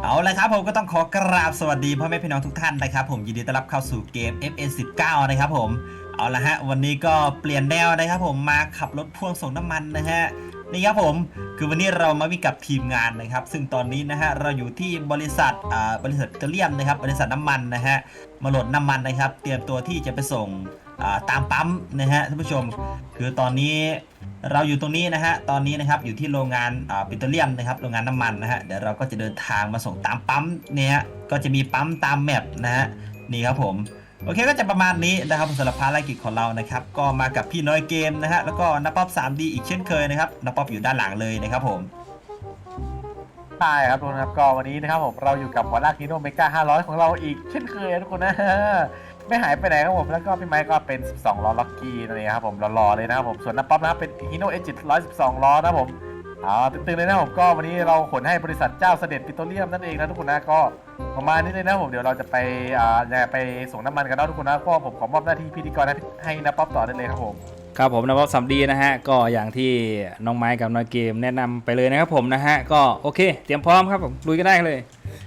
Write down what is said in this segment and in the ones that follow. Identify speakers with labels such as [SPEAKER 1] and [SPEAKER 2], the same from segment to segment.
[SPEAKER 1] เอาละครับผมก็ต้องขอกราบสวัสดีพ่อแม่พี่น้องทุกท่านนะครับผมยินดีต้อนรับเข้าสู่เกม FN19 นะครับผมเอาละฮะวันนี้ก็เปลี่ยนแนวนะครับผมมาขับรถพ่วงส่งน้ำมันนะฮะนี่ครับผมคือวันนี้เรามาวิ่งกับทีมงานนะครับซึ่งตอนนี้นะฮะเราอยู่ที่บริษัทปิโตรเลียมนะครับบริษัทน้ำมันนะฮะมาโหลดน้ำมันนะครับเตรียมตัวที่จะไปส่งตามปั๊มนะฮะท่านผู้ชมคือตอนนี้เราอยู่ตรงนี้นะฮะตอนนี้นะครับอยู่ที่โรงงานปิโตรเลียมนะครับโรงงานน้ำมันนะฮะเดี๋ยวเราก็จะเดินทางมาส่งตามปั๊มเนี่ยก็จะมีปั๊มตามแมปนะฮะนี่ครับผมโอเคก็จะประมาณนี้นะครับสำหรับภารกิจของเรานะครับก็มากับพี่น้อยเกมนะฮะแล้วก็นับป๊อป 3D อีกเช่นเคยนะครับนับป๊อปอยู่ด้านหลังเลยนะครับผม
[SPEAKER 2] ใช่ครับทุกคนครับก็วันนี้นะครับผมเราอยู่กับหัวลากฮีโร่เมกา500ของเราอีกเช่นเคยทุกคนนะไม่หายไปไหนครับผมแล้วก็พี่ไมค์ก็เป็น12ล้อล็อกกี้นั่นเองครับผมรอๆเลยนะครับผมส่วนน้ำป๊อปนะครับเป็นฮีโร่เอจิต112ล้อนะครับผมตึงๆเลยนะผมก็วันนี้เราขนให้บริษัทเจ้าเสด็จปิโตรเลียมนั่นเองนะทุกคนนะก็ประมาณนี้เลยนะผมเดี๋ยวเราจะไปส่งน้ำมันกันนะทุกคนนะก็ผมขอมอบหน้าที่พิธีกรให้น้ำป๊อปต่อได้เลยครับผม
[SPEAKER 3] ครับผมนะครับสัมดีนะฮะก็อย่างที่น้องไม้กับน้อยเกมแนะนำไปเลยนะครับผมนะฮะก็โอเคเตรียมพร้อมครับผมลุยกันได้เลย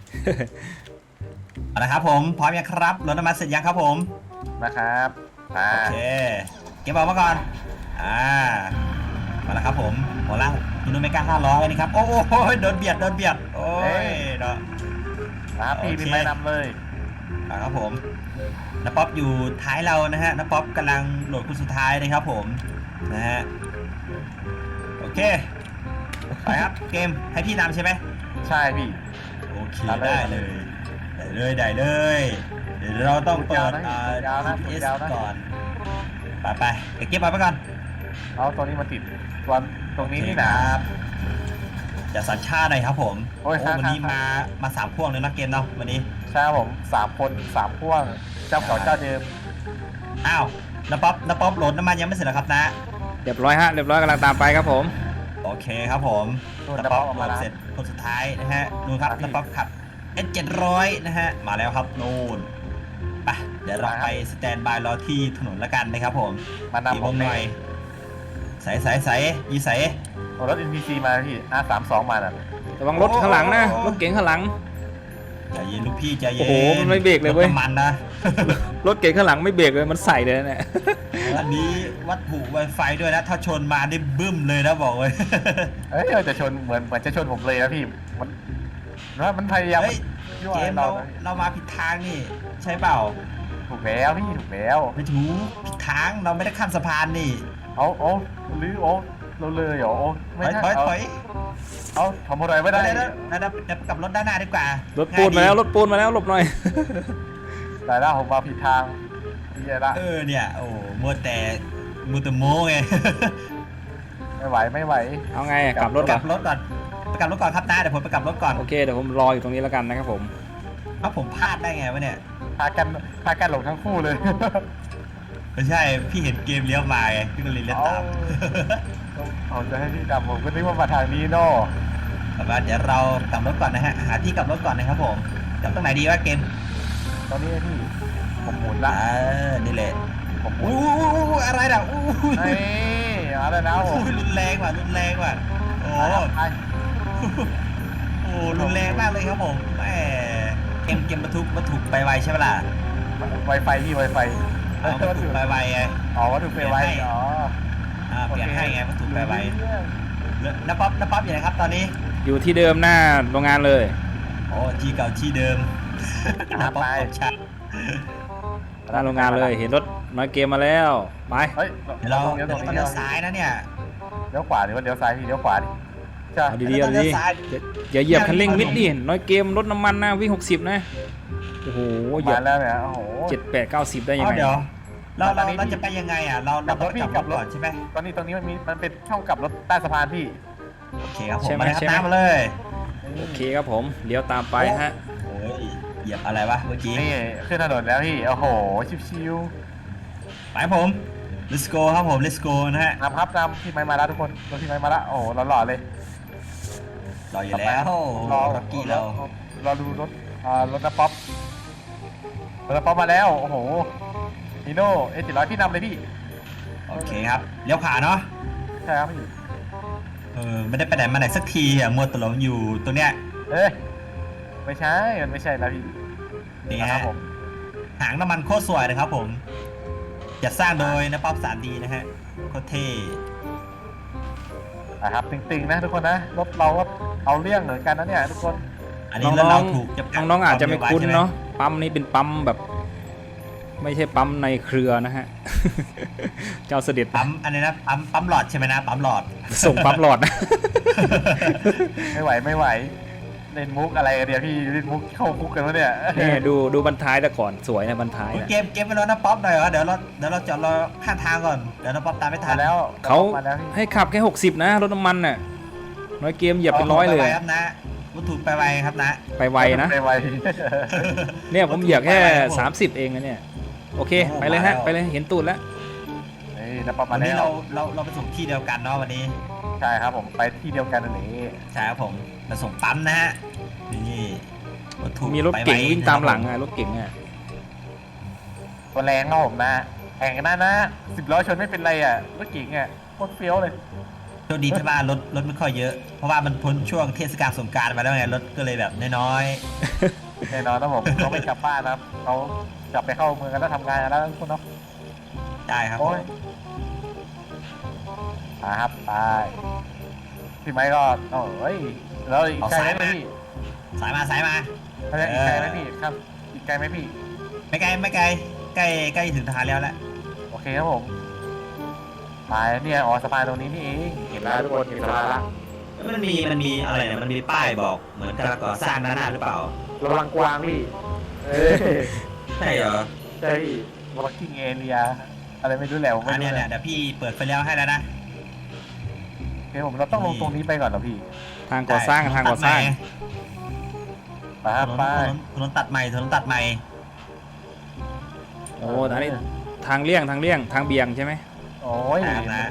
[SPEAKER 1] เอาละครับผมพร้อมยังครับรถน้ำมันเสร็จยังครับผม
[SPEAKER 2] นะครับ
[SPEAKER 1] โอเคเก็บเอามาก่อนมาแล้วครับผมหัวล่างฮิโนเมกา500นี่ครับโอ้โหโดนเบียดโอ้ยเนาะ
[SPEAKER 2] ครับพี่ไมค์นำเลย
[SPEAKER 1] ครับผมน้าป๊อปอยู่ท้ายเรานะฮะน้าป๊อปกำลังโหลดคนสุดท้ายนะครับผมนะฮะโอเคไปครับเกมให้พี่นำใช่ไหม
[SPEAKER 2] ใช่พี่
[SPEAKER 1] โอเคได้เลยเดี๋ยวเราต้องเปิดGPS ก่อนไปเก็บไปก่อน
[SPEAKER 2] เอาตัวนี้มาติดตัวตรงนี้นี่นะ
[SPEAKER 1] จะสัญชาติหน่อยครับผมวันนี้มา3 พ่วงเลยนะเกมเนาะวันนี้
[SPEAKER 2] ใช่ผม3 คน3 พ่วงเจ้าเก่าเจ้าเดิม
[SPEAKER 1] อ้าวน้าป๊อปโหลดน้ำมันยังไม่เสร็จหรอครับนะ
[SPEAKER 3] เรียบร้อยฮะเรียบร้อยกำลังตามไปครับผม
[SPEAKER 1] โอเคครับผมน้าป๊อปโหลดเสร็จคนสุดท้ายนะฮะดูครับน้าป๊อปขับ S700นะฮะมาแล้วครับนู่นไปเดี๋ยวเราไปสแตนบายรอที่ถนนละกันนะครับผมตีวงหน่อยใส่ยีใส่
[SPEAKER 2] รถ NPC มาพี่ R32 มาน่ะ
[SPEAKER 3] ระวังรถข้างหลังนะรถเก๋งข้างหลัง
[SPEAKER 1] ใจเย็นลูกพี่ใจเย็น
[SPEAKER 3] โอ้โหมันไม่เบรกเลยเว้ย
[SPEAKER 1] มันนะ
[SPEAKER 3] รถเก๋งข้างหลังไม่เบรกเลยมันใส่เลยเนี่ย
[SPEAKER 1] อันนี้วัตถุไวไฟด้วยนะถ้าชนมาได้บึ้มเลยนะบอกเลย
[SPEAKER 2] จะชนเหมือนจะชนผมเลยนะพี่มันพยายาม
[SPEAKER 1] เกมเรามาผิดทางนี่ใช่เปล่า
[SPEAKER 2] ถูกแล้วพี่ถูกแล้ว
[SPEAKER 1] ไม่ถูกผิดทางเราไม่ได้ข้ามสะพานนี่
[SPEAKER 2] เอาหรือเราเลยเหรอ
[SPEAKER 1] ไม่ถอย
[SPEAKER 2] ทำอะไรไม่ได้
[SPEAKER 1] กับรถด้านหน้าดีกว่าร
[SPEAKER 3] ถปูนมาแล้วหลบหน่อย
[SPEAKER 2] แต่ละผมมาผิดทางนี่ไงละ
[SPEAKER 1] เนี่ยโอ้มัวแต่โม้ไง
[SPEAKER 2] ไม่ไหว
[SPEAKER 3] เอาไงกลับรถก่อน
[SPEAKER 1] ครับนะเดี๋ยวผมไปกลับรถก่อน
[SPEAKER 3] โอเคเดี๋ยวผมรออยู่ตรงนี้แล้วกันนะครับผม
[SPEAKER 1] ผมพลาดได้ไงวะเนี่ย
[SPEAKER 2] พากันหลงทั้งคู่เลย
[SPEAKER 1] ไม่ใช่พี่เห็นเกมเลี้ยวมาไงพี่ก็เลยเลี้ยวตาม
[SPEAKER 2] เอาจะให้พี่ดำผมก็นึกว่ามาทางนี้เนาะ
[SPEAKER 1] เดี๋ยวเรากลับรถก่อนนะฮะหาที่กลับรถก่อนนะครับผมกลับตรงไหนดีวะเกม
[SPEAKER 2] ตอนนี้พี่ผมหมุนละ
[SPEAKER 1] นี่แหละผมอะไรน่ะ
[SPEAKER 2] อะไรนะ
[SPEAKER 1] รุนแรงว่ะโอ้รุนแรงมากเลยครับผมแหมเกมบรรทุกไปไวใช่ไหมล่ะ
[SPEAKER 2] ไวไฟพี่ไวไฟ
[SPEAKER 1] วัตถุไปไวไง
[SPEAKER 2] วัตถุไปไว
[SPEAKER 1] เปลี่ยนให้ไงวัตถุไปไวน้าป๊อปอยู่ไหนครับตอนนี้
[SPEAKER 3] อยู่ที่เดิมหน้าโรงงานเลย
[SPEAKER 1] ที่เก่าที่เดิมน้าป๊อปชัด
[SPEAKER 3] หน้าโรงงานเลยเห็นรถน้อยเกมมาแล้วไป
[SPEAKER 1] เราเลี้ยวซ้ายนะเนี่ย
[SPEAKER 2] เลี้ยวขวาหรือว่าเลี้ยวซ้ายพี่เลี้ยวขวาดิ
[SPEAKER 3] เอาดีอย่าเหยียบคันเร่งมิดดิน้อยเกมรถน้ำมันนะวิ่ง60นะโอ้โหเหยียบ
[SPEAKER 2] แล้วเนี่ยโอ้โห
[SPEAKER 3] 7-8-90ได้ยังไง
[SPEAKER 1] เดี๋ยวเราจะไปยังไงเรากลับรถก่อนใช่ไหม
[SPEAKER 2] ตอนนี้มันเป็นช่องกลับรถใต้สะพานพี่
[SPEAKER 1] โอเคครับผมมาเลยครับมาเลย
[SPEAKER 3] โอเคครับผมเลี้ยวตามไปฮะ
[SPEAKER 1] เหยียบอะไรวะเมื่อกี้
[SPEAKER 2] นี่ขึ้นถนนแล้วพี่โอ้โหชิว
[SPEAKER 1] ๆไปผม let's go ครับผม let's go นะฮะ
[SPEAKER 2] นำพี่ไม้มาแล้วทุกคนรถพี่ไม้มาแล้วโอ้โหหล่อเลย
[SPEAKER 1] รออยู่แล้ว
[SPEAKER 2] รอ
[SPEAKER 1] กี้เรา
[SPEAKER 2] ดูรถน้าป๊อปมาแล้วโอ้โหฮีโน่700พี่นำเลยพี่
[SPEAKER 1] โอเคครับเลี้ยวขวาเนาะ
[SPEAKER 2] ใช่ครับพี่
[SPEAKER 1] ไม่ได้ไปไหนมาไหนสักทีมัวตะหลงอยู่ตรงเนี้ย
[SPEAKER 2] ไม่ใช่มันไม่ใช่แล้วพี่
[SPEAKER 1] นี่
[SPEAKER 2] นะครั
[SPEAKER 1] ฮะ
[SPEAKER 2] บผม
[SPEAKER 1] หางน้ำมันโคตรสวยนะครับผมจัดสร้างโดยนะป๊อป 3D นะฮะโคตรเท่
[SPEAKER 2] นะครับติงๆนะทุกคนนะรถเราก็เอาเรื่องเหมือนกันนะเนี่ยทุกคน
[SPEAKER 1] อันนี้
[SPEAKER 3] น้
[SPEAKER 1] แล้ว
[SPEAKER 3] อ
[SPEAKER 1] เรา
[SPEAKER 3] ง
[SPEAKER 1] ถูกจำกัด
[SPEAKER 3] ๆน้องๆอาจจะไม่คุ้น
[SPEAKER 1] วร็วว้ใช่ห
[SPEAKER 3] เนาะปั๊มนี้เป็นปั๊มแบบ ไม่ใช่ปั๊มในเครือนะฮ ะ เจ้าเสด็จ
[SPEAKER 1] ปั๊มอันนี้นะปั๊มหลอดใช่ไหมนะปั๊มหลอด
[SPEAKER 3] ส่งปั๊มหลอดนะ
[SPEAKER 2] ไม่ไหวเล่นมุกอะไรกันเนี่ยพี่เล่นมุกเข้าคุกกันวะเนี่ย
[SPEAKER 3] นี่ดูบรรท้ายแต่ก่อนสวยนะบรรท้าย
[SPEAKER 1] อุ๊ย
[SPEAKER 3] นะ
[SPEAKER 1] เกมไปรถนะป๊อปหน่อยเหรอเดี๋ยวเราจอดรอข้างทางก่อนเดี๋ยวนะป๊อปตามไม่ทั
[SPEAKER 2] มาน แล้ว
[SPEAKER 3] เขา
[SPEAKER 2] มาแล้วพี่
[SPEAKER 3] ให้ขับแค่ 60 นะรถน้ำมันน่ะน้อยเกมเหยียบเป็นร้อยเลย
[SPEAKER 1] ไปไวครับนะวัตถุไปไวครับนะ
[SPEAKER 3] ไปไวนะ
[SPEAKER 2] ไปไว
[SPEAKER 3] เนี่ยผมเหยียบแค่
[SPEAKER 1] ไปไวครับผม
[SPEAKER 3] 30 เองนะเนี่ยโอเค
[SPEAKER 1] โอ้
[SPEAKER 3] ไปเลยฮะ
[SPEAKER 1] มาแล้ว
[SPEAKER 3] ไปเลยเห็นตูดแล้ว
[SPEAKER 2] นี่นะประมา
[SPEAKER 1] วั
[SPEAKER 2] ณ
[SPEAKER 1] นนี้
[SPEAKER 2] นี้
[SPEAKER 1] เราไปส่งที่เดียวกันเนาะวันนี้
[SPEAKER 2] ใช่ครับผมไปที่เดียวกันนั่นเอง
[SPEAKER 1] ใช่ครับผมมาส่งปั๊มนะฮะนี่วัตถุ
[SPEAKER 3] มีรถเก๋ง
[SPEAKER 1] ไปไ
[SPEAKER 3] วิ่งตามหลัง
[SPEAKER 1] นะครับ
[SPEAKER 3] อะรถเก๋งอะ
[SPEAKER 2] ตัวแรงครับผมนะแข่งกันนะ10 ล้อชนไม่เป็นไรอ่ะรถเก๋งอ่ะโคตรเฟี้ยวเลย
[SPEAKER 1] โชคดีที่ว่ารถไม่ค่อยเยอะ เพราะว่ามันพ้นช่วงเทศกาลสงกรานต์มาแล้วไงรถก็เลยแบบน้อย
[SPEAKER 2] แน่นอนนะผมเขาไม่กลับบ้านนะครับเขากลับไปเข้าเมืองกันแล้วทำงานกันแล้วทุกคนเนาะ
[SPEAKER 1] ๆใช่ครับผ
[SPEAKER 2] โอ้
[SPEAKER 1] ม
[SPEAKER 2] ยครับไปพี่ไม้ก็เอ้ยแล้วอีกไกลไหมพี่
[SPEAKER 1] สายมาสายมา
[SPEAKER 2] อะไรอีกไกลไหมพี่ครับอีกไกลไหมพี่
[SPEAKER 1] ไม่ไกลใกล้ถึงทางแล้วแหละ
[SPEAKER 2] โอเคครับผมไปเนี่ยอ๋อสะพานตรงนี้นี่เองเห็นแล้วทุกคนเห็นสะพานละ
[SPEAKER 1] มันมีอะไรเนี่ยมันมีป้ายบอกเหมือนกำลังก่อสร้างด้านหน้าหรือเปล่า
[SPEAKER 2] ระวังกวางพี่
[SPEAKER 1] ใช่เหรอ
[SPEAKER 2] ใช่พี่ working area อะไรไม่รู้แหละผม
[SPEAKER 1] อั
[SPEAKER 2] ไม่
[SPEAKER 1] น
[SPEAKER 2] รู้
[SPEAKER 1] เนี้ย
[SPEAKER 2] แห
[SPEAKER 1] เนี่ย
[SPEAKER 2] ละ
[SPEAKER 1] เดี๋ยวพี่เปิดไฟเลี้ยวให้แล้วนะ
[SPEAKER 2] โอเคผมเราต้องลงตรงนี้ไปก่อนเหรอพี่
[SPEAKER 3] ทางก่อสร้างทางก่อสร้าง
[SPEAKER 2] ไปครับไป
[SPEAKER 1] ถนนตัดใหม่ถนนตัดใหม่
[SPEAKER 3] โอ้อันนี้ทางเลี่ยงทางเบี่ยงใช่ไหม
[SPEAKER 2] โอ้ย
[SPEAKER 1] ตามนะ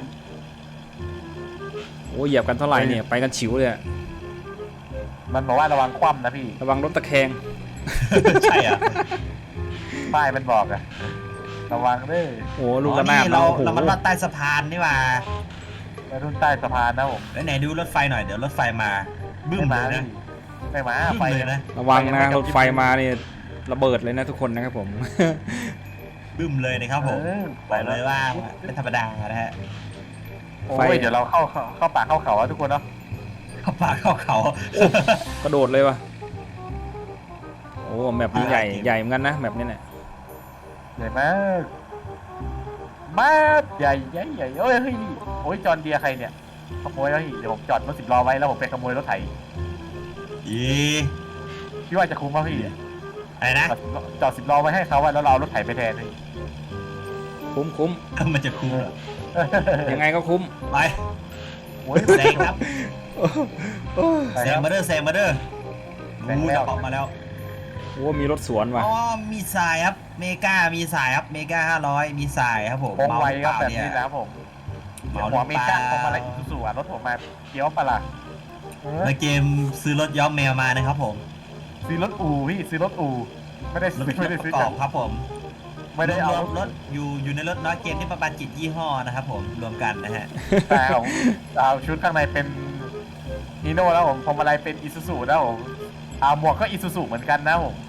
[SPEAKER 3] โอ้เหยียบกันเท่าไหร่เนี่ยไปกันฉิวเลยอะ
[SPEAKER 2] มันบอกว่าระวังคว่ำนะพี่
[SPEAKER 3] ระวังรถตะแคง
[SPEAKER 1] ใช่เหรอ
[SPEAKER 2] ป้ายมันบอกอะระวังเด้อ
[SPEAKER 3] โอ้ลูกระนาบ
[SPEAKER 1] เรา
[SPEAKER 3] โอ้โห
[SPEAKER 1] มันลอดใต้สะพานนี่หว่า
[SPEAKER 2] ไปรุ่นใต้สะพานนะผม
[SPEAKER 1] ไหนดูรถไฟหน่อยเดี๋ยวรถไฟมาบึ้ม
[SPEAKER 2] ไม่
[SPEAKER 1] เล
[SPEAKER 2] มาย
[SPEAKER 1] นะ
[SPEAKER 2] ไม่มา
[SPEAKER 1] บึ้ม
[SPEAKER 2] ไฟ
[SPEAKER 1] เลยนะ
[SPEAKER 3] ระวังนะรถไฟมาเนี่ยระเบิดเลยนะทุกคนนะครับผม
[SPEAKER 1] บึ้มเลยนะครับผมบอกเลยว่าเป็นธรรมดานะฮะ
[SPEAKER 2] โอ้ยเดี๋ยวเราเข้าป่าเข้าเขาอะทุกคนเนาะ
[SPEAKER 1] เข้าป่าเข้าเขา
[SPEAKER 3] กระโดดเลยวะโอ้แมปนี้ใหญ่เหมือนกันนะแมปนี้เนี่ย
[SPEAKER 2] ใหญ่มากมากใหญ่โอ้ยเฮ้ยโอ้ยจอนเดียใครเนี่ยขโมยแล้วพี่เดี๋ยวผมจอดรถ10 ล้อไว้แล้วผมไปขโมยรถไถ
[SPEAKER 1] อี
[SPEAKER 2] พี่ว่าจะคุ้มป่ะพี่
[SPEAKER 1] อะไรนะ
[SPEAKER 2] จอด10 ล้อไว้ให้เขาอะแล้วเราเอารถไถไปแทนพี่
[SPEAKER 3] คุ้ม
[SPEAKER 1] มันจะคุ้มเหรอ
[SPEAKER 3] ยังไงก็คุ้ม
[SPEAKER 1] ไป
[SPEAKER 2] โอ้ย
[SPEAKER 1] แซงครับ
[SPEAKER 2] ไป
[SPEAKER 1] แซ
[SPEAKER 2] ค
[SPEAKER 1] ง
[SPEAKER 2] รับ
[SPEAKER 1] มาเด้อแซงมาเด้อ
[SPEAKER 2] แซงแล้ว
[SPEAKER 1] จะออกมาแล้ว
[SPEAKER 3] โอ้มีรถสวนว่ะ
[SPEAKER 1] อ๋อมีสายครับเมกามีสายครับเมกา500มีสายครับผม
[SPEAKER 2] โค้งไวครับ
[SPEAKER 1] เมา
[SPEAKER 2] แบบ
[SPEAKER 1] หรือเปล่า
[SPEAKER 2] นี้
[SPEAKER 1] เนี่ย
[SPEAKER 2] นะครับผม
[SPEAKER 1] เมา
[SPEAKER 2] หัว
[SPEAKER 1] ห
[SPEAKER 2] เม
[SPEAKER 1] รือเป
[SPEAKER 2] กา
[SPEAKER 1] ล่า
[SPEAKER 2] ของมาอะไรอีซูซูอะรถผมมาเกี้ยวปะล่ะ
[SPEAKER 1] ในเกมซื้อรถย้อมแมวมานะครับผม
[SPEAKER 2] ซื้อรถอู่พี่ซื้อรถอู่ไม่ได้
[SPEAKER 1] รถ
[SPEAKER 2] ซื้อไม่ได้
[SPEAKER 1] ป
[SPEAKER 2] ซื้อ
[SPEAKER 1] ระก
[SPEAKER 2] จา
[SPEAKER 1] อก บครับผม
[SPEAKER 2] ไม่ได้เอา
[SPEAKER 1] รวมรถอยู่ในรถน้อยเกมที่ประมาณ7ยี่ห้อนะครับผมรวมกันนะฮะ
[SPEAKER 2] แต่ของเอาชุดข้างในเป็นนีโน่แล้วผมพวงมาลัยเป็นอีซูซูแล้วผมหมวกก็อีซูซูเหมือนกันนะผม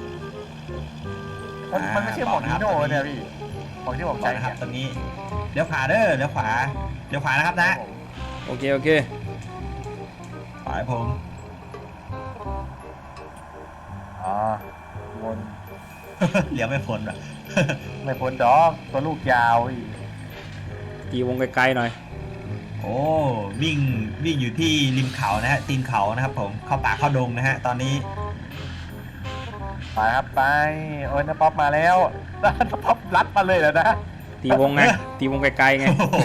[SPEAKER 2] มันไม่ใช่หมวกนีโน่เนี่ยพี่หมวกที่ผม
[SPEAKER 1] ใช่
[SPEAKER 2] ใช้
[SPEAKER 1] นะครับ
[SPEAKER 2] เนี่ย
[SPEAKER 1] ตรงนี้เลี้ยวขวาเด้อเลี้ยวขวานะครับนะ
[SPEAKER 3] โอเค
[SPEAKER 1] ขวาให้ผม
[SPEAKER 2] อ๋อวน
[SPEAKER 1] เลี้ยวไม่พ้นอ่ะ
[SPEAKER 2] ไม่พ้นดอกตัวลูกยาวอีก
[SPEAKER 3] ตีวงไกลๆหน่อย
[SPEAKER 1] โอ้วิ่งอยู่ที่ริมเขานะฮะตีนเขานะครับผมเข้าป่าเข้าดงนะฮะตอนนี้
[SPEAKER 2] ไปครับไปโอ้ยน้าป๊อปมาแล้วน้าป๊อปรัดมาเลยแล้วนะ
[SPEAKER 3] ตีวงไงตีวงไกลๆไง
[SPEAKER 1] โอ้โห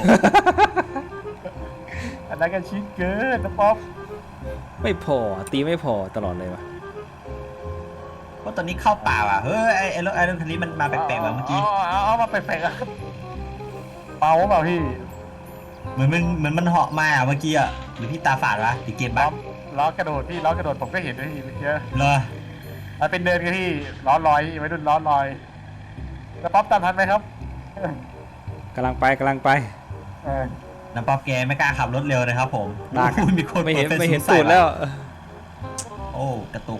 [SPEAKER 2] อันนั้นก็ชิดเกินน้าป๊อป
[SPEAKER 3] ไม่พอตีไม่พอตลอดเลยวะ
[SPEAKER 1] เพราะตอนนี้เข้าป่าว่ะเฮ้ยไอ้รถคันนี้มันมาแปลกๆว่ะเมื่อกี้
[SPEAKER 2] เอามาแปลกๆอะเมาเปล่าพี่
[SPEAKER 1] เหมือนมันเหาะมาอ่ะเมื่อกี้อ่ะหรือพี่ตาฝาดวะหรือเกม
[SPEAKER 2] ล้
[SPEAKER 1] บ้า
[SPEAKER 2] ล้อกระโดดพี่ล้อกระโดดผมก็เห็นด้วยพี่เมื่อกี้
[SPEAKER 1] เหรอ
[SPEAKER 2] มันเป็นเดินกันที่ล้อลอยไม่ดุนล้อลอยแล้วป๊อปตามทันไหมครับ
[SPEAKER 3] กำลังไป
[SPEAKER 2] เออ
[SPEAKER 1] น้ำป๊อปแกไม่กล้าขับรถเร็วนะครับผม
[SPEAKER 3] ลาก
[SPEAKER 1] โอ้ยมีคน
[SPEAKER 3] ไม่เห็น
[SPEAKER 1] ปิดฟ
[SPEAKER 3] ไม่เห็น
[SPEAKER 1] สูงใส่
[SPEAKER 3] ตูดแล้ว
[SPEAKER 1] โอ้กระตุก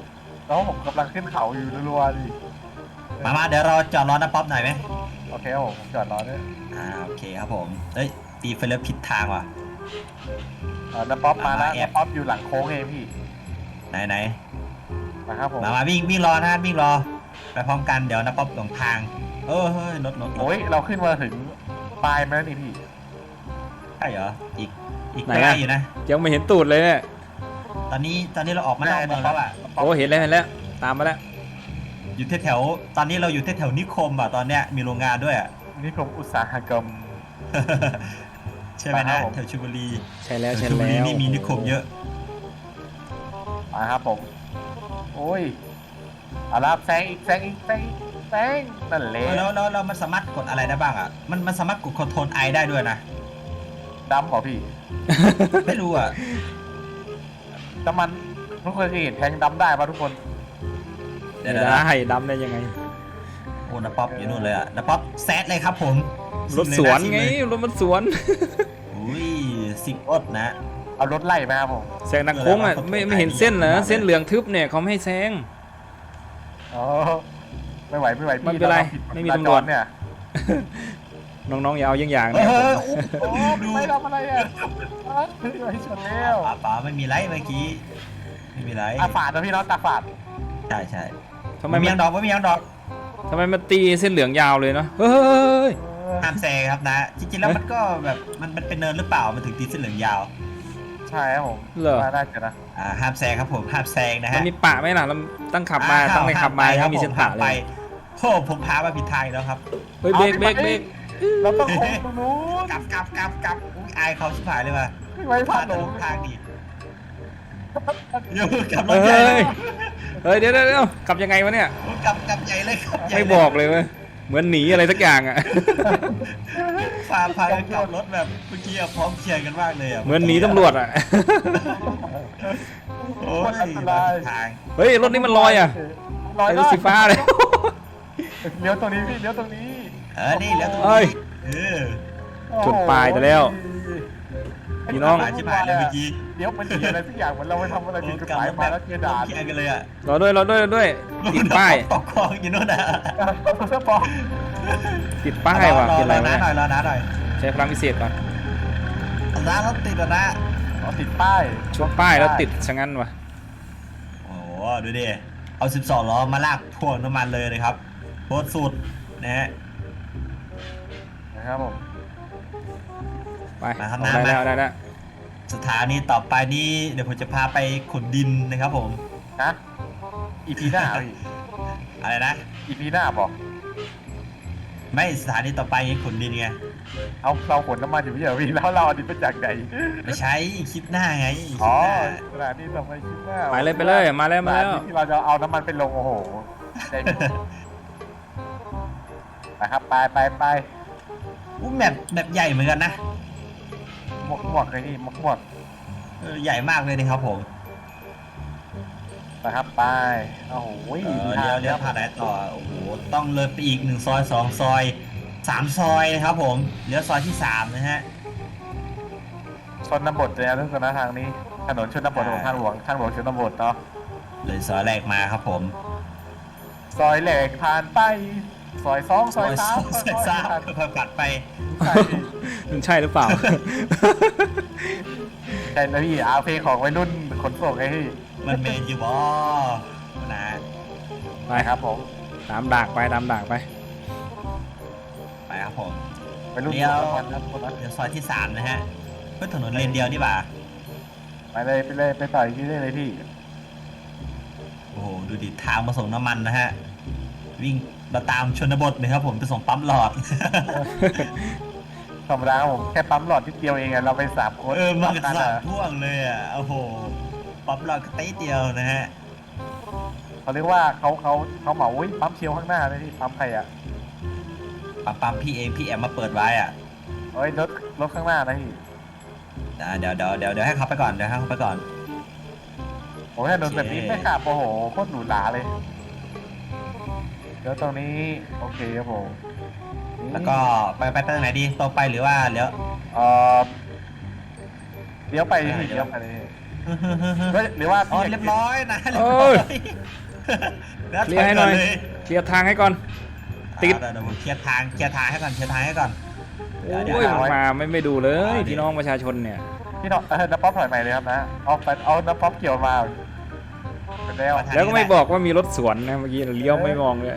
[SPEAKER 2] แล้วผมกำลังขึ้นเขาอยู่รัวๆดิ
[SPEAKER 1] มาเดี๋ยวเราจอดรอน้าป๊อปหน่อยไหม
[SPEAKER 2] โอเคครับผมจอดรอด้วย
[SPEAKER 1] โอเคครับผมเอ้ยตีไฟเลี้ยวผิดทางว่ะ
[SPEAKER 2] น้าป๊อปมาแล้ว
[SPEAKER 1] แอบ
[SPEAKER 2] น้าป๊อปอยู่หลังโค้งเองพี่
[SPEAKER 1] ไหน
[SPEAKER 2] นะครับผม
[SPEAKER 1] มาวิ่งรอนะวิ่งรอไปพร้อมกันเดี๋ยวน้าป๊อปหลงทางเฮ้ยรถ
[SPEAKER 2] โอ้ยเราขึ้นมาถึงปลายมาแล้วนี่พี่
[SPEAKER 1] ใช่เหรออีก
[SPEAKER 3] ไหน
[SPEAKER 1] ไกล
[SPEAKER 3] อะ
[SPEAKER 1] อยู่นะ
[SPEAKER 3] ยังไม่เห็นตูดเลยเนี่ย
[SPEAKER 1] ตอนนี้เราออกมานอกเมืองแล้วอ่ะ
[SPEAKER 3] โอ้เห็นแล้วตามมาแล้ว
[SPEAKER 1] อยู่แถวตอนนี้เราอยู่แถวนิคมอ่ะตอนเนี้ยมีโรงงานด้วยอ่ะ
[SPEAKER 2] นี่ผมอุตสาหกรรม
[SPEAKER 1] ใช่ไหม
[SPEAKER 2] ครั
[SPEAKER 1] นะ
[SPEAKER 2] บผม
[SPEAKER 1] แถวชลบุรี
[SPEAKER 3] ใช่แล้ว
[SPEAKER 1] แถ
[SPEAKER 3] ใช่
[SPEAKER 1] วชลบุ
[SPEAKER 3] แล้
[SPEAKER 1] รี
[SPEAKER 3] ว
[SPEAKER 1] นี่มีนิคมเยอะ
[SPEAKER 2] มาครับผม โอ้ยเอาละแซงอีกแซงนั่นแหละ
[SPEAKER 1] แล้วมันสามารถกดอะไรได้บ้างอ่ะมันสามารถกดคอนโทรลไอได้ด้วยนะ
[SPEAKER 2] ดำเหรอพี่
[SPEAKER 1] ไม่รู้อ่ะ
[SPEAKER 2] แต่มันทุกคนเคยเห็นแทงดำได้ปะทุกคน
[SPEAKER 1] เดี๋
[SPEAKER 3] ไม่
[SPEAKER 1] ยว
[SPEAKER 3] ได้ดำได้ยังไง
[SPEAKER 1] โอ้นาป๊อปอยู่นู่นเลยอ่ะนาป๊อปแซดเลยครับผม
[SPEAKER 3] รถสวนไงรถมันสวน
[SPEAKER 1] อุ้ย10 อดนะ
[SPEAKER 2] เอารถไล่มาครับผม
[SPEAKER 3] แซงนักโค้งอ่ะไม่เห็นเส้นเหรอเส้นเหลืองทึบเนี่ยเขาไม่ให้แซง
[SPEAKER 2] อ๋อไม่ไหวพี่
[SPEAKER 3] ไม่เป็นไร
[SPEAKER 2] าผิด
[SPEAKER 3] ไม่มีตำรวจ
[SPEAKER 2] เนี่ย
[SPEAKER 3] น้องๆอย่าเอาอย่าง
[SPEAKER 1] เฮ้
[SPEAKER 3] เนี่ย
[SPEAKER 1] ย
[SPEAKER 2] โอ้ไม่ทำอะไรอ่ะไม่ชนแล้ว
[SPEAKER 1] ป๋าไม่มีไรเมื่อกี้ไม่มีไร
[SPEAKER 2] ตาฝาดนะพี่เนาะตาฝาด
[SPEAKER 1] ใช่
[SPEAKER 3] ทำไม
[SPEAKER 1] ไม่มี
[SPEAKER 3] มั
[SPEAKER 1] ยาน งดอกไม่มียางดอก
[SPEAKER 3] ทำไมมันตีเส้นเหลืองยาวเลยเนาะเฮ้ย
[SPEAKER 1] ห้ามแซงครับนะ จริงๆแล้วมันก็แบบมันเป็นเนินหรือเปล่ามันถึงตีเส้นเหลืองยาว
[SPEAKER 2] ใช่ครับผม
[SPEAKER 3] เหรอ
[SPEAKER 2] ว่าน่าจะนะ
[SPEAKER 1] ห้ามแซงครับผมห้ามแซงนะ
[SPEAKER 3] มัน
[SPEAKER 1] ฮะ
[SPEAKER 3] มีปะไหมล่ะเราตั้งขับมาตั้งในขับมายังมีเส้นปะ
[SPEAKER 1] ห้าม
[SPEAKER 3] เล
[SPEAKER 1] ไป
[SPEAKER 3] ย
[SPEAKER 1] โอ้ผมพามาผิดทางอีกแล้วครับ
[SPEAKER 3] เฮ้ยเบรก
[SPEAKER 2] เราต้องโค้งตรงนู้น
[SPEAKER 1] กลับอุ้ยอายเขาชิบหายเลยว่ะ
[SPEAKER 2] ไม่ไว้พลาดหลง
[SPEAKER 1] ทางดีเดี๋ยวกลับรถ
[SPEAKER 3] เฮ้
[SPEAKER 1] ใหญ่
[SPEAKER 3] ยเฮ้ยเดี๋ยวกลับยังไงวะเนี่ย
[SPEAKER 1] กลับใหญ่เลยครับใหญ่
[SPEAKER 3] ไม่
[SPEAKER 1] เลย
[SPEAKER 3] บอกเลยเว้ยเหมือนหนีอะไรสักอย่างอ่ะ
[SPEAKER 1] พากันกลับรถแบบเมื่อกี้อะพร้อมเคลียร์กันมากเลยอะ
[SPEAKER 3] เหมือนหนีตำรวจอ่ะ
[SPEAKER 1] โอ้ยมาผิดทาง
[SPEAKER 3] เฮ้ยรถนี้มันลอยอ่ะ
[SPEAKER 2] ลอย
[SPEAKER 3] ไอ้รถสีฟ้าเลย
[SPEAKER 2] เลี้ยวตรงนี้พี่เลี้ยวตรงนี้
[SPEAKER 1] นี่แล้วตรง
[SPEAKER 3] เอ้ย
[SPEAKER 1] นี้
[SPEAKER 3] ชนปลายไปแล้ว พี่น้อง
[SPEAKER 1] ชิบหายเลยเมื่อกี้
[SPEAKER 2] เลี้ยวมันเสียอะไรสักอย่างเหมือนเราไปทำอะไรผิดกฎหมายมาแล้วเจอด่าน
[SPEAKER 1] เคลียร์กันเลยอะ
[SPEAKER 3] รอด้วยติดป้าย
[SPEAKER 1] ตกคลองอยู่นู่นนะ
[SPEAKER 2] เสื้อปลอม
[SPEAKER 3] ติดป้ายว่ะเป็นไร
[SPEAKER 1] รอ
[SPEAKER 3] วะ
[SPEAKER 1] นะ
[SPEAKER 3] เนี่ย
[SPEAKER 1] หน่อย
[SPEAKER 3] ใช้พลังพิเศษก่อน
[SPEAKER 1] นะรถติดแล้วนะ
[SPEAKER 2] อ๋อติดป้าย
[SPEAKER 3] ชนป้ายแล้วติดชะงั้นว่ะ
[SPEAKER 1] โอ้โหดูดิเอา12 ล้อมาลากพ่วงน้ำมันเลยนะครับโคตรสุดนะฮะ
[SPEAKER 2] นะครับผม
[SPEAKER 3] ไป
[SPEAKER 1] มาครับ
[SPEAKER 3] เอาได้
[SPEAKER 1] มา
[SPEAKER 3] แล้ว
[SPEAKER 1] สถานีต่อไปนี้เดี๋ยวผมจะพาไปขุดดินนะครับผม
[SPEAKER 2] นะอีพีหน้าพี่
[SPEAKER 1] อะไรนะ
[SPEAKER 2] อีพีหน้าบอก
[SPEAKER 1] ไม่สถานีต่อไปขุดดินไง
[SPEAKER 2] เอาเราขนน้ำมันอยู่เยอะพี่แล้วเราอันนี้เป็นจากไหน
[SPEAKER 1] ไม่ใช่คลิปหน้าไงคลิป
[SPEAKER 2] อ๋อ
[SPEAKER 1] หน้า
[SPEAKER 2] สถานีต่อไปคลิปหน้า
[SPEAKER 3] ไปเลยมาแล้ว
[SPEAKER 2] สถนีที่เราจะเอาน้ำมันไปลงโอ้โหใจนะครับไป
[SPEAKER 1] อู้แมปใหญ่เหมือนกันนะ
[SPEAKER 2] หมวกเลยพี่หมวก
[SPEAKER 1] ใหญ่มากเลยนะครับผม
[SPEAKER 2] นะครับไปโอ้โห
[SPEAKER 1] เลี้ยวผ่านไหนต่อโอ้โหต้องเลยไปอีก1 ซอย 2 ซอย 3 ซอยนะครับผมเลี้ยวซอยที่ 3 นะฮะ
[SPEAKER 2] ชนบทเลยนะทุกคนนะทางนี้ถนนชนบทของทางหลวงชนบทเนาะ
[SPEAKER 1] เลยซอยแรกมาครับผม
[SPEAKER 2] ซอยแหลกผ่านไปซอย2ซอย3
[SPEAKER 1] ซอยสามเพิ่มกัดไป
[SPEAKER 3] มันใช่หรือเปล่า
[SPEAKER 2] ใช่นะพี่เอาเพลงของวัยรุ่นขนส่งไอ้พี่
[SPEAKER 1] มันเมนอยู่บอนะ
[SPEAKER 3] ไป
[SPEAKER 2] ครับผม
[SPEAKER 3] ตามดักไป
[SPEAKER 1] ไปครับผม
[SPEAKER 2] วัยรุ่น
[SPEAKER 1] เลี้ยว
[SPEAKER 2] ขนส่งครับคนนะ
[SPEAKER 1] เลี้ยวซอยที่ 3 นะฮะเพื่อถนนเลนเดียวนี่บ่า
[SPEAKER 2] ไปเลยไปต่อยที่ได้เลยพี่
[SPEAKER 1] โอ้โหดูดิทางมาส่งน้ำมันนะฮะวิ่งมาตามชนบทนะครับผมไปส่งปั๊มหลอด
[SPEAKER 2] ธรรมดาครับผมแค่ปั๊มหลอดนิดเดียวเองอะเราไป3 คน
[SPEAKER 1] มากัน
[SPEAKER 2] ปั๊
[SPEAKER 1] สาม
[SPEAKER 2] อะ
[SPEAKER 1] พ่วงเลยอ่ะโอ้โหปั๊มหลอดก็เต้เดียวนะฮะ
[SPEAKER 2] เขาเรียกว่าเขาเหมาอุ้ยปั๊มเชียวข้างหน้าเลยพี่ปั๊มใครอะ
[SPEAKER 1] ปั๊มพี่เองพี่แอมมาเปิดไว้อ่ะ
[SPEAKER 2] เอ้ยรถข้างหน้านะพี่
[SPEAKER 1] เดี๋ยวให้เขาไปก่อน
[SPEAKER 2] โอ้ยถนนแบบนี้ไม่ขับโอ้โหโคตรหรูหราเลยเดี๋ยวตรงนี้โอเคครับผม
[SPEAKER 1] แล้วก็ไปทางไหนดีตรงไปหรือว่าเลี้ยว
[SPEAKER 2] เออเลี้ยวไปพี่เลี้ยวไปเลยเฮ้ยหรือว่า
[SPEAKER 1] อ๋อ
[SPEAKER 2] พี่
[SPEAKER 1] เรียบร้อยนะ
[SPEAKER 3] เอ้ย
[SPEAKER 1] แล้ว
[SPEAKER 3] เคลียร์ให้หน่อย
[SPEAKER 1] ถก่เล
[SPEAKER 3] เคลียร์ทางให้ก่อน ติด
[SPEAKER 1] เดี๋ยวผมเคลียร์ทางให้ก่อนเดี๋ยว
[SPEAKER 3] โอ้ยมาไม่ดูเลยพี่น้องประชาชนเนี่ย
[SPEAKER 2] พี่น้องน้ำป๊อปถอยใหม่เลยครับนะเอาน้ำป๊อปเกี่ยวมาเป็นแล้ว
[SPEAKER 3] แล้วก็ไม่บอกว่ามีรถสวนนะเมื่อกี้เลี้ยวไม่มองเลย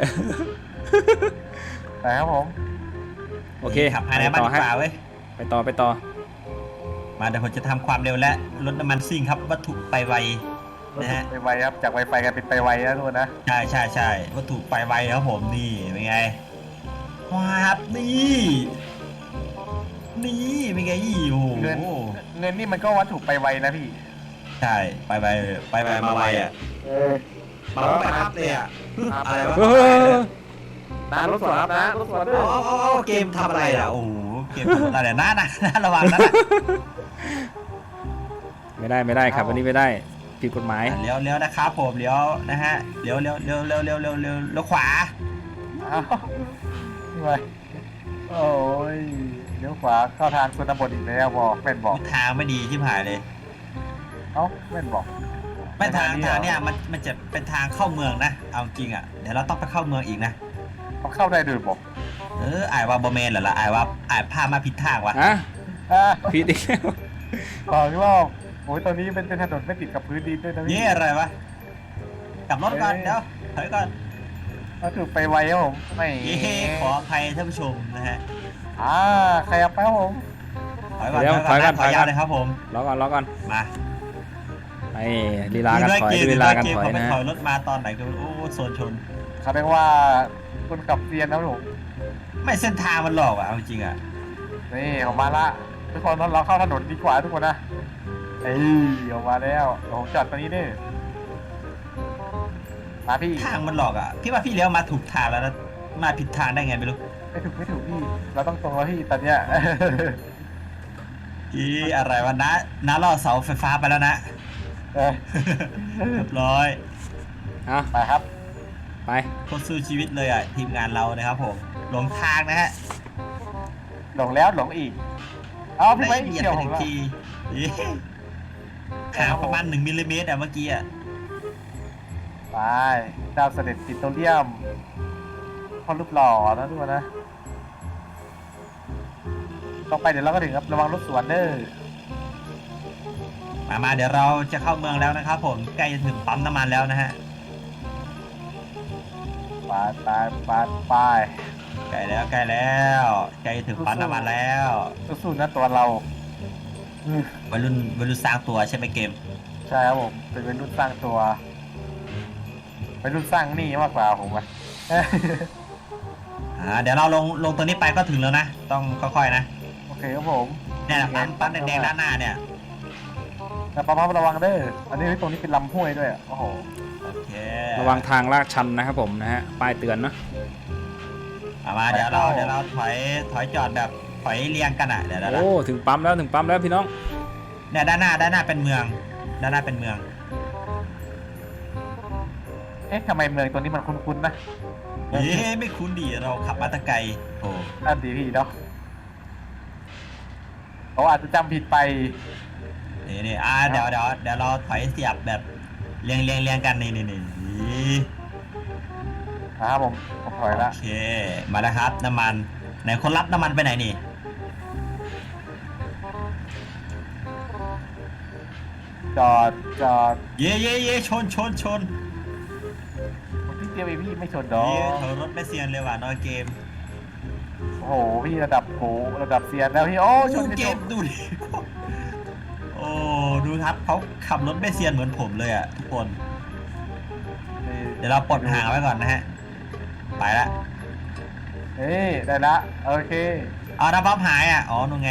[SPEAKER 2] แต่ครับผม
[SPEAKER 3] โอเค
[SPEAKER 1] ขับภายในบ้านดีกว่าเว้ย
[SPEAKER 3] ไปต่อ
[SPEAKER 1] มาเดี๋ยวผมจะทำความเร็วและลดน้ำมันซิ่งครับวัตถุไปไวนะฮะ
[SPEAKER 2] ไปไวครับจากไวไฟกันเป็นไปไวนะทุกคนนะ
[SPEAKER 1] ใช่วัตถุไปไวครับผมนี่เป็นไงว้าบนี่เป็นไงโอ้โห
[SPEAKER 2] เงินนี่มันก็วัตถุไปไวนะพี่
[SPEAKER 1] ใช่ไปมาไวอ่ะมาไปครับเลยอ่ะอะไรวะ
[SPEAKER 3] เออ
[SPEAKER 2] นะรถสวนครับนะรถสวนด้วย
[SPEAKER 1] เกมทำอะไรอ่ะโอ้โหเกมทำอะไรน่าระวังนะ
[SPEAKER 3] ไม่ได้ครับวันนี้ไม่ได้ผิดกฎหมาย
[SPEAKER 1] เลี้ยวนะครับผมเลี้ยวนะฮะเลี้ยวขวา
[SPEAKER 2] อ้าวนี่ไงโอ้ยเลี้ยวขวาเข้าทางชนบทอีกแล้วบอกแม่นบอก
[SPEAKER 1] ทางไม่ดีที่ผ่านเลย
[SPEAKER 2] เอ้าแม่นบอก
[SPEAKER 1] ไม่ทางเนี่ยมันจะเป็นทางเข้าเมืองนะเอาจริงอ่ะเดี๋ยวเราต้องไปเข้าเมืองอีกนะ
[SPEAKER 2] เขาเข้าได้ด้วยบอก
[SPEAKER 1] อายว่าบอเมนเหรอล่ะอายว่าพามาผิดทางวะ
[SPEAKER 3] ฮะ
[SPEAKER 2] อ่า
[SPEAKER 3] ผิดอีกแล้ว
[SPEAKER 2] บอกที่ว่าโอ้ยตอนนี้เป็นถนนไม่ติดกับพื้นดินด้วยนะพี่
[SPEAKER 1] เย่อะไรวะกลับรถก่อนเดี๋ยวถอยก่อน
[SPEAKER 2] วัตถุไปไวครับผมไม่
[SPEAKER 1] เย่ขออภัยท่านผู้ชมนะฮะ
[SPEAKER 2] ใครเอาไปครับผม
[SPEAKER 1] ถอยก่อนถอยยาวเลยครับผม
[SPEAKER 3] รอก่อน
[SPEAKER 1] มา
[SPEAKER 3] ไอ้ลีลากันถอยลีลากันถอย
[SPEAKER 1] เขาไป
[SPEAKER 3] นะ
[SPEAKER 1] ถอยรถมาตอนไหนก็โอ้โซนชน
[SPEAKER 2] เขาเรียกว่าคุณขับเซียนนะครับผม
[SPEAKER 1] ไม่เส้นทางมันหลอกอ่ะเอาจริงอ่ะ
[SPEAKER 2] นี่ออกมาละทุกคนเราเข้าถนนดีกว่าทุกคนนะเอ้ยออกมาแล้วผมจอดตรงนี้นี่มาพี่
[SPEAKER 1] ทางมันหลอกอ่ะพี่ว่าพี่เลี้ยวมาถูกทางแล้วนะมาผิดทางได้ไงไม่รู้
[SPEAKER 2] ไม่ถูกพี่เราต้องตรงแล้วพี่ตอนเนี้ย
[SPEAKER 1] อะไรวะน้าล่อเสาไฟฟ้าไปแล้วนะ
[SPEAKER 2] เออ
[SPEAKER 1] เรียบร้อย
[SPEAKER 3] เอา
[SPEAKER 2] ไปครับ
[SPEAKER 3] ไป
[SPEAKER 1] โคตรสู้ชีวิตเลยอ่ะทีมงานเรานะครับผมหลงทางนะฮะ
[SPEAKER 2] หลงแล้วหลงอีกเอาพี่
[SPEAKER 1] ได้
[SPEAKER 2] ไม่
[SPEAKER 1] เหยียด
[SPEAKER 2] เกี่ยว
[SPEAKER 1] ไป
[SPEAKER 2] ผ
[SPEAKER 1] ห
[SPEAKER 2] ม
[SPEAKER 1] นึ่ง
[SPEAKER 2] ละ
[SPEAKER 1] ทีห่างประมาณ1 มิลลิเมตรอ่ะเมื่อกี้อ่ะ
[SPEAKER 2] ไปดาวเสด็จปิโตรเลียมพอรูปหล่อนะทุกคนนะต่อไปเดี๋ยวเราก็ถึงครับระวังรถสวนเด้อ
[SPEAKER 1] มาเดี๋ยวเราจะเข้าเมืองแล้วนะครับผมใกล้จะถึงปั๊มน้ำมันแล้วนะฮะ
[SPEAKER 2] ไป
[SPEAKER 1] ใกล้แล้วใกล้จะถึงปั๊มน้ำมันแล้ว
[SPEAKER 2] สู้ๆนะตัวเรา
[SPEAKER 1] วัยรุ่นสร้างตัวใช่ไหมเกม
[SPEAKER 2] ใช่ครับผมเป็นวัยรุ่นสร้างตัววัยรุ่นสร้างหนี่มากกว่าผมอะ
[SPEAKER 1] เดี๋ยวเราลงตัวนี้ไปก็ถึงแล้วนะต้องค่อยๆนะ
[SPEAKER 2] โอเคครับผม
[SPEAKER 1] เนี่ยนะปั๊มแดงๆด้านหน้าเนี่ย
[SPEAKER 2] แต่ปั๊มระวังเด้ออันนี้ตรงนี้เป็นลำห้วยด้วยโอ้โห
[SPEAKER 1] โอเค
[SPEAKER 3] ระวังทางลาดชันนะครับผมนะฮะป้ายเตือนเนาะ
[SPEAKER 1] มาเดี๋ยวเราถอยจอดแบบถอยเรียงกันอ่ะเดี๋ยว
[SPEAKER 3] โอ้ถึงปั๊มแล้วพี่น้อง
[SPEAKER 1] เนี่ยด้านหน้าเป็นเมืองด้านหน้าเป็นเมือง
[SPEAKER 2] เอ๊ะทำไมเมืองตัวนี้มันคุ้นๆนะ
[SPEAKER 1] ไม่คุ้นดีเราขับมาแตะไกลโอ้
[SPEAKER 2] นั่นดีพี่เนาะเขาอาจจะจำผิดไป
[SPEAKER 1] นี่เดี๋ยวเราถอยเสียบแบบเรียงกันนี่
[SPEAKER 2] นะครับผมถอยละ
[SPEAKER 1] โอเคมาแล้วครับน้ำมันไหนคนรับน้ำมันไปไหนนี่
[SPEAKER 2] จอด
[SPEAKER 1] เย่ชน
[SPEAKER 2] ผมที่เตียวเองพี่ไม่ชนดอ
[SPEAKER 1] เธอรถไม่เซียนเลยว่ะนอยเกม
[SPEAKER 2] โอ้โหพี่ระดับโหระดับเซียนแล้วพี่โอ้ชน
[SPEAKER 1] เกมดูดิโอ้ดูครับเขาขับรถไม่เซียนเหมือนผมเลยอ่ะทุกคนเดี๋ยวเราปลดห่างไว้ก่อนนะฮะไปละ
[SPEAKER 2] เฮ้ยได้ละโอเค
[SPEAKER 1] เอาน้ำปั๊มหายอ่ะอ๋อนู่นไง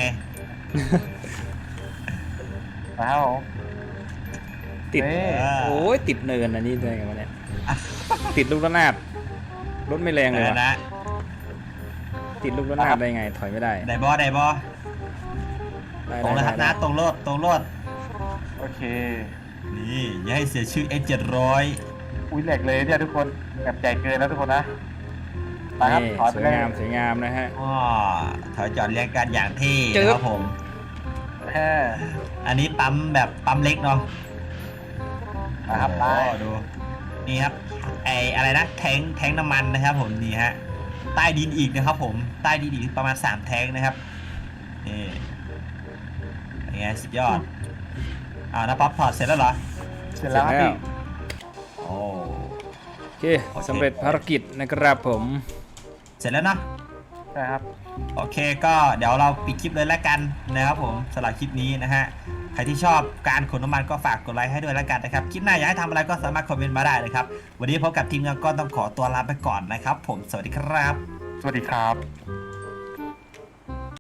[SPEAKER 2] นะครับผม
[SPEAKER 3] ติด
[SPEAKER 2] นี่
[SPEAKER 3] โอ้ยติดเนินอันนี้ได้ไงวะเนี่ยติดลูกระนาดรถไม่แรงเลย
[SPEAKER 1] เออ
[SPEAKER 3] ว่ะ
[SPEAKER 1] นะ
[SPEAKER 3] ติดลูกระนาดได้ไงถอยไม่ได้
[SPEAKER 1] ได้บอ
[SPEAKER 3] ได้
[SPEAKER 1] ตรงเลยครับนะตรงรถ
[SPEAKER 2] โอเค
[SPEAKER 1] นี่อย่าให้เสียชื่อ S700
[SPEAKER 2] อุ้ยแหลกเลยเนี่ยทุกคนแบบใหญ่เกินแล้วทุกคนนะไปครับ
[SPEAKER 3] นี่
[SPEAKER 2] ถอย
[SPEAKER 3] ส
[SPEAKER 2] ไป
[SPEAKER 3] วย
[SPEAKER 2] เลย
[SPEAKER 3] งามนะฮะ
[SPEAKER 1] อ๋อถอยจอดเรียงกันอย่างเท่
[SPEAKER 3] จึ๊บ
[SPEAKER 1] นะครับผม
[SPEAKER 2] แฮ่
[SPEAKER 1] อันนี้ปั๊มแบบปั๊มเล็กเนาะ
[SPEAKER 2] นะครับไป
[SPEAKER 1] โอ้ดูนี่ครับอะไรนะแทงน้ำมันนะครับผมนี่ฮะใต้ดินอีกนะครับผมใต้ดินอีกประมาณ3แทงนะครับนี่ยังไงสุดยอดนะป๊อปถอดเสร็จแล้วเหรอ
[SPEAKER 2] เสร็จแล้วครับพี่
[SPEAKER 1] โอ้
[SPEAKER 3] โอเคสำเร็จภารกิจนะครับผม
[SPEAKER 1] เสร็จแล้วเนาะ
[SPEAKER 2] ใช่ครับ
[SPEAKER 1] โอเคก็เดี๋ยวเราปิดคลิปเลยแล้วกันนะครับผมสำหรับคลิปนี้นะฮะใครที่ชอบการขนน้ำมันก็ฝากกดไลค์ให้ด้วยแล้วกันนะครับคลิปหน้าอยากให้ทำอะไรก็สามารถคอมเมนต์มาได้เลยครับวันนี้พบกับทีมงานก็ต้องขอตัวลาไปก่อนนะครับผมสวัสดีครับ
[SPEAKER 2] สวัสดีครับ